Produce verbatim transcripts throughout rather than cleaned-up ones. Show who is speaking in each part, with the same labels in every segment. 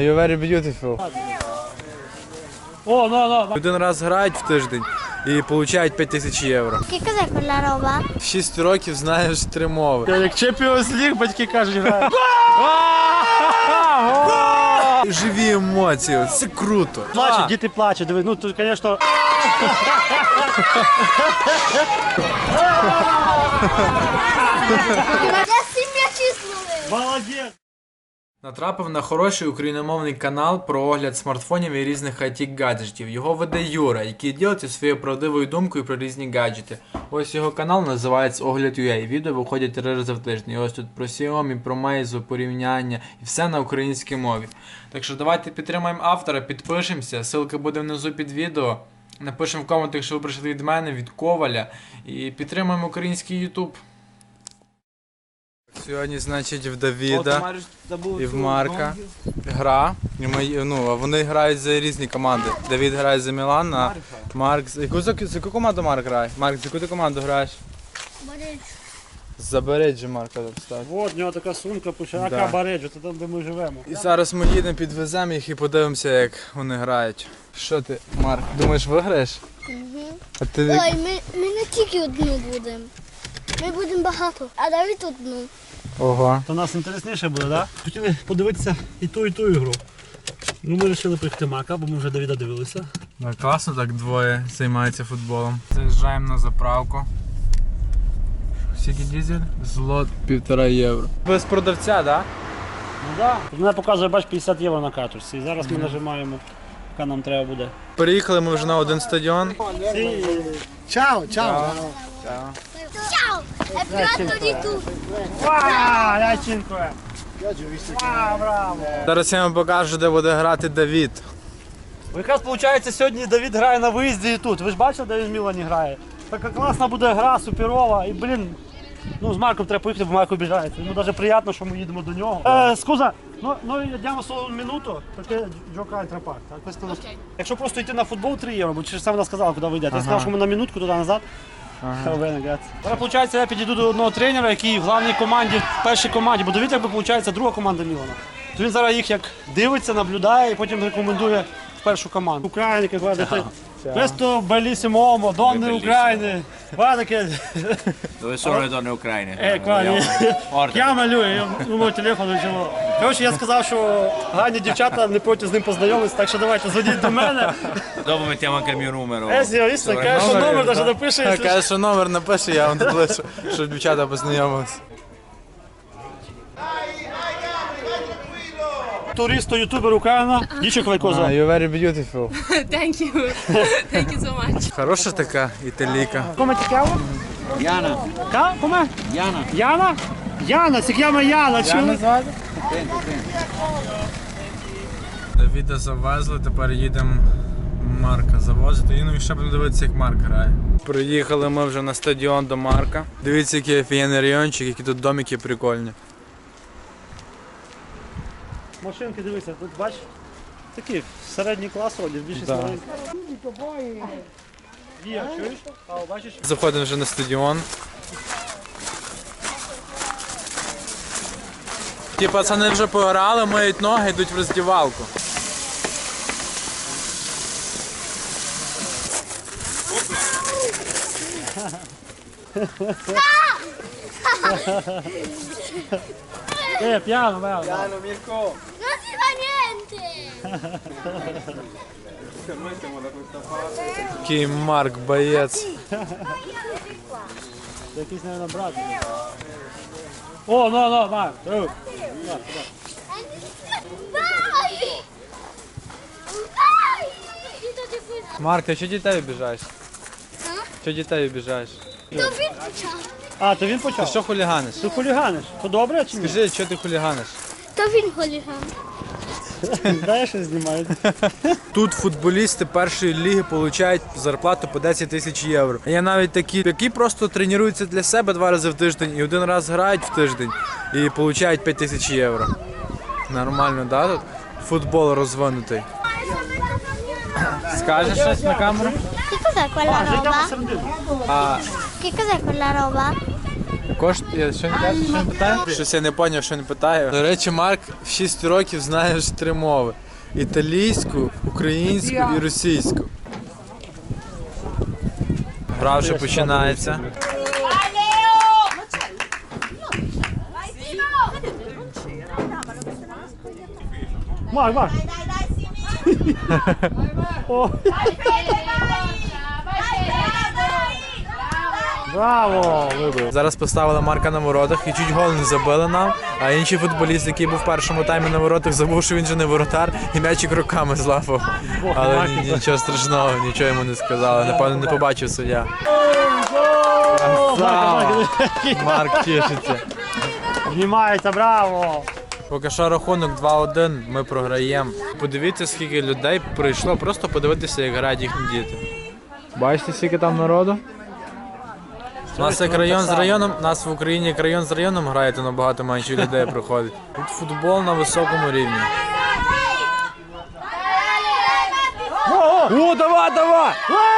Speaker 1: You're very beautiful.
Speaker 2: О, no, no.
Speaker 1: Один раз грають в тиждень і отримують п'ять тисяч євро.
Speaker 3: Che cos'è quella roba?
Speaker 1: Шість років знаєш три мови.
Speaker 2: Як Champions League, батьки кажуть, грають.
Speaker 1: Живі емоції, це круто.
Speaker 2: Плачуть, діти плачуть, диви, ну тут, звісно... Молодець!
Speaker 1: Натрапив на хороший україномовний канал про огляд смартфонів і різних ай ті-гаджетів. Його веде Юра, який ділиться своєю правдивою думкою про різні гаджети. Ось його канал називається Огляд.ua. Відео виходять три рази в тиждень. І ось тут про Xiaomi, про Meizu, порівняння і все на українській мові. Так що давайте підтримаємо автора, підпишемося, ссылка буде внизу під відео. Напишемо в коментах, що ви прийшли від мене, від Коваля. І підтримаємо український YouTube. Сьогодні, значить, в Давіда і в Марка гра. І ми, ну, а вони грають за різні команди. Давід грає за Мілан, а Марк... За яку, за яку команду Марк грає? Марк, за яку ти команду граєш?
Speaker 3: Бареджо.
Speaker 1: За Бареджо Марка записати.
Speaker 2: От, у нього така сумка, пише,
Speaker 1: Да.
Speaker 2: ака Бареджо, це там, де ми живемо.
Speaker 1: І зараз ми їдемо, підвеземо їх і подивимося, як вони грають. Що ти, Марк, думаєш, виграєш?
Speaker 3: Угу.
Speaker 1: А ти...
Speaker 3: Ой, ми, ми не тільки одну будемо. Ми будемо багато, а Давид одну.
Speaker 1: Ого.
Speaker 2: То нас інтересніше буде, так? Да? Хотіли подивитися і ту, і ту ігру. Ну, ми вирішили приїхати Мака, бо ми вже Давіда дивилися.
Speaker 1: Ну, класно, так двоє займаються футболом. Заїжджаємо на заправку. Скільки дизель? Злот півтора євро. Без продавця, так? Да?
Speaker 2: Ну так. Да. Мене показує, бач, п'ятдесят євро на карточці. І зараз ми нажимаємо, яка нам треба буде.
Speaker 1: Приїхали ми вже на один стадіон.
Speaker 2: Сі. Чао, чао.
Speaker 3: Ciao! È piatto di tu!
Speaker 2: Ва, ячинко. Ва, браво.
Speaker 1: Зараз я вам покажу, де буде грати Давід.
Speaker 2: Бо якраз виходить, сьогодні Давід грає на виїзді і тут. Ви ж бачили, де він в Мілані грає? Така класна буде гра, суперова. І, блін, ну з Марком треба поїхати, бо Марко обіжається. Йому навіть приємно, що ми їдемо до нього. Е, скуза, ну, ну йдемо solo un minuto, perché giocare tra parte. Questo... Okay. Якщо просто йти на футбол три євро, бо через це вона сказала, куди ви йдете. Я
Speaker 1: Ага.
Speaker 2: сказав, що ми на минутку туди-назад.
Speaker 1: Ага.
Speaker 2: Зараз, виходить, я підійду до одного тренера, який в головній команді, в першій команді, бо дивіться, якби, виходить, друга команда Мілана. То він зараз їх як дивиться, наблюдає і потім рекомендує в першу команду. Україна, як говорите, questo bellissimo uomo, donne України. Guarda che...
Speaker 4: Dove sono le donne ucraine?
Speaker 2: Е, Квані.
Speaker 4: Orda.
Speaker 2: Я малюю, номер телефону, чого. Коротше, я сказав, що гарні дівчата не проти з ним познайомитися, так що давайте, зводіть до мене.
Speaker 4: Dopo mettiamo anche il mio numero.
Speaker 2: Е, звісно, каже, що номер навіть напише. якщо
Speaker 1: Каже, що номер напише, я вам напишу, щоб дівчата познайомилися.
Speaker 2: Туристо, ютубер Україна, дічок Лайкоза.
Speaker 1: You're very beautiful.
Speaker 5: Thank you. Thank you so much.
Speaker 1: Хороша така італійка.
Speaker 2: Come ti chiamo?
Speaker 4: Iana.
Speaker 2: Ка? Come?
Speaker 4: Iana.
Speaker 2: Яна? Яна, si chiama Яна, чули?
Speaker 1: звати? Давіда завезли, тепер їдемо Марка завозити. І ну і ще будемо дивитися, як Марк грає. Приїхали ми вже на стадіон до Марка. Дивіться, який офігенний райончик, які тут домики прикольні.
Speaker 2: Машинки, дивися, тут бач, такі середній клас одяг, більшість
Speaker 1: Да.
Speaker 2: маленьких. Вія, чуєш? А, бачиш?
Speaker 1: Заходимо вже на стадіон. Ті пацани вже пограли, миють ноги, йдуть в роздівалку.
Speaker 2: Е, п'яно, п'яно.
Speaker 3: Non si fa niente!
Speaker 1: Який Марк боєць.
Speaker 2: Це якийсь, мабуть, брат. О, ну, ну, Марк. О.
Speaker 3: Vai! Vai! Io ti fui...
Speaker 1: Марк, ти що дітей обіжаєш?
Speaker 3: А?
Speaker 1: Що дітей обіжаєш?
Speaker 3: Давид почав.
Speaker 2: А, то він
Speaker 1: Ти
Speaker 2: почав?
Speaker 1: що хуліганиш?
Speaker 2: Ти хуліганиш? То добре чи ні?
Speaker 1: Скажи, що ти хуліганиш?
Speaker 3: То він хуліган.
Speaker 2: Дай щось знімають.
Speaker 1: Тут футболісти першої ліги отримують зарплату по десять тисяч євро. Є навіть такі, які просто тренуються для себе два рази в тиждень і один раз грають в тиждень і отримують п'ять тисяч євро. Нормально, да, тут? Футбол розвинутий. Скажеш щось на камеру?
Speaker 3: Che cos'è quella
Speaker 2: Йдемо
Speaker 3: roba?
Speaker 2: середину.
Speaker 1: А
Speaker 3: Che cos'è quella roba?
Speaker 1: Коштує, що він каже, що він питає? Щось я не зрозумів, що він питає. До речі, Марк в шість років знає вже три мови. Італійську, українську і російську. Гра вже починається.
Speaker 2: Марк, Марк. О, браво! Вибив.
Speaker 1: Зараз поставили Марка на воротах і чуть гол не забили нам, а інший футболіст, який був в першому таймі на воротах, забув, що він же не воротар, і м'ячик руками злапав. Але ні- нічого страшного, нічого йому не сказали. Напевно, не побачив суддя. Красава! Марк тішиться.
Speaker 2: Знімається, браво!
Speaker 1: Поки що рахунок два один, ми програємо. Подивіться, скільки людей прийшло, просто подивитися, як грають їхні діти. Бачите, скільки там народу? У нас як район з районом, у нас в Україні як район з районом грає, то набагато менше людей приходить. Тут футбол на високому рівні. О, давай, давай!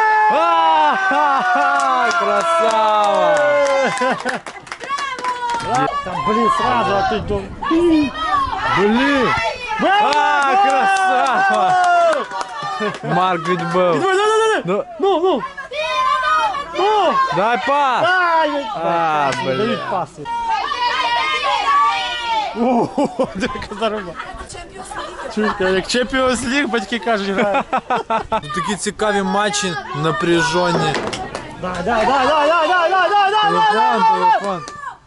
Speaker 1: А-ха-ха! Красава!
Speaker 2: Там, блін, сразу, а ти до...
Speaker 1: Блін! А, красава! Марк відбив. Ну,
Speaker 2: Ну, ну! Ну!
Speaker 1: дай пас!
Speaker 2: Ай,
Speaker 1: А, блін.
Speaker 2: дають паси. Ого, яка заруба. Чуєте, як Champions League, батьки кажуть, грає.
Speaker 1: Тут такі цікаві матчі, напряжені.
Speaker 2: Дай, дай, дай, дай, дай, дай, дай, дай, дай,
Speaker 1: Телефон, телефон.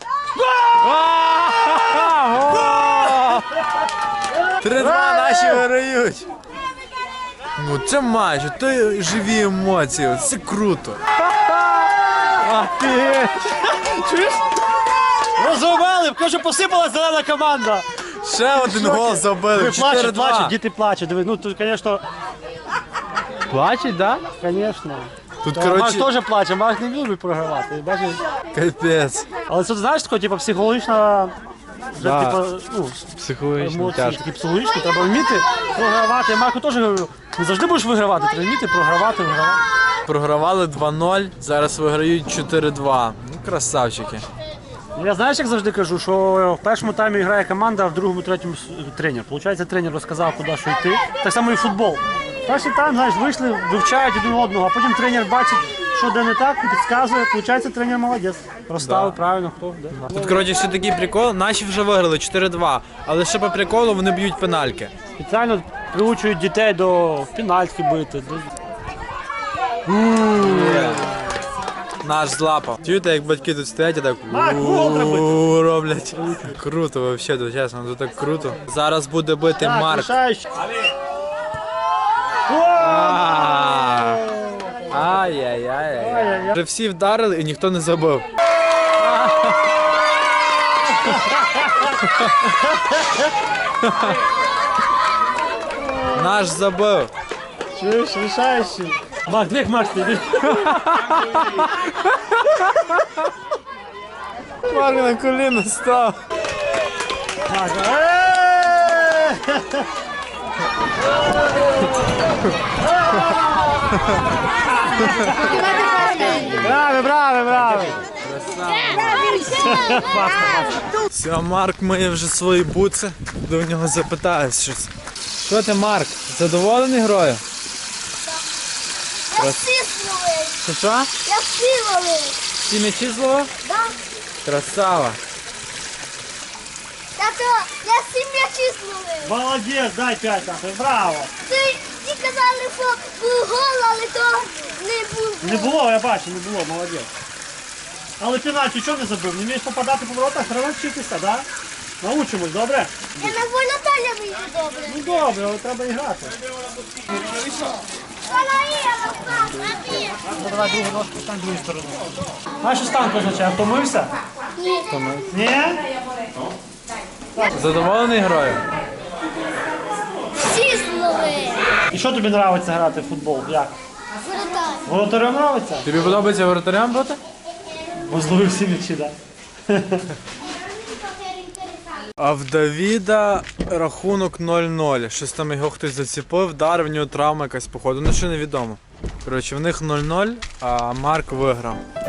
Speaker 1: Три-два наші виграють. Ну це матч, то живі емоції, це круто. Офігеть.
Speaker 2: Чуєш? Розумели, кажу, посипалась зелена команда.
Speaker 1: Ще один гол забили.
Speaker 2: Диви, плачуть,
Speaker 1: чотири-два.
Speaker 2: плачуть, діти плачуть. Диви, ну тут, звісно,
Speaker 1: Плачуть, да?
Speaker 2: звісно.
Speaker 1: Тут,
Speaker 2: Марк
Speaker 1: коротше,
Speaker 2: теж плаче, Марк не любить програвати, бачиш?
Speaker 1: капець.
Speaker 2: Але це, знаєш, таке, типу, психологічно, вже,
Speaker 1: Да.
Speaker 2: типу, ну,
Speaker 1: Психологічно
Speaker 2: емоції
Speaker 1: тяжко.
Speaker 2: такі психологічні, треба вміти програвати. Я Марку теж говорю, не завжди будеш вигравати, треба вміти програвати, вигравати.
Speaker 1: Програвали два-нуль, зараз виграють чотири-два. Ну, красавчики.
Speaker 2: Я знаєш, як завжди кажу, що в першому таймі грає команда, а в другому, третьому с- тренер. Получається, тренер розказав, куди що йти. Так само і футбол. Перший тайм, знаєш, вийшли, вивчають один одного, а потім тренер бачить, що де не так, і підказує. Получається, тренер молодець. Розставив
Speaker 1: Да.
Speaker 2: правильно, хто де.
Speaker 1: Тут, коротше, ще такий прикол. Наші вже виграли чотири-два, але ще по приколу вони б'ють пенальки.
Speaker 2: Спеціально приучують дітей до пенальтки бити. До...
Speaker 1: Наш злапав. Чуєте, як батьки тут стоять і так
Speaker 2: Марк, гол треба
Speaker 1: «У-у-у» роблять. Круто, взагалі, чесно, тут так круто. Зараз буде бити
Speaker 2: Так,
Speaker 1: Марк.
Speaker 2: лишаючи.
Speaker 1: А. Ай-яй-яй. Вже всі вдарили і ніхто не забив. Наш забив.
Speaker 2: Чуєш, лишаючи. Марк, як Марк ти?
Speaker 1: Марк на коліно став.
Speaker 2: Марк, е! Браво, браво, браво!
Speaker 1: Все, Марк має вже свої буци, до нього запитаю щось. Що ти, Марк, задоволений грою?
Speaker 3: Я всі зловив.
Speaker 1: Що що?
Speaker 3: Я всі ловив.
Speaker 1: Всі м'ячі зловив?
Speaker 3: Да?
Speaker 1: Красава.
Speaker 3: Тато, я всі м'ячі зловив.
Speaker 2: Молодець, дай п'ять нахуй, браво!
Speaker 3: Ти, ті казали, що був гол, але то не був.
Speaker 2: Не було, я бачу, не було, молодець. Але пенальті чого не забив? Не вмієш попадати по воротах, треба вчитися, да? Научимось, добре?
Speaker 3: Я на волоталя вийду добре.
Speaker 2: Ну добре, але треба і грати.
Speaker 3: Вона є, розпав.
Speaker 2: Ну, давай другу ножку, стань другу сторону. Знаєш, що станк означає? Втомився?
Speaker 3: Ні.
Speaker 2: Ні?
Speaker 1: Задоволений грою?
Speaker 3: Всі зловив.
Speaker 2: І що тобі подобається грати в футбол? Як?
Speaker 3: Воротар.
Speaker 2: Воротарем подобається?
Speaker 1: Тобі подобається воротарям бути?
Speaker 2: Бо зловив всі м'ячі, так?
Speaker 1: А в Давіда рахунок нуль-нуль. Щось там його хтось заціпив, вдарив, в нього травма якась походу. Ну ще невідомо. Коротше, в них нуль-нуль, а Марк виграв.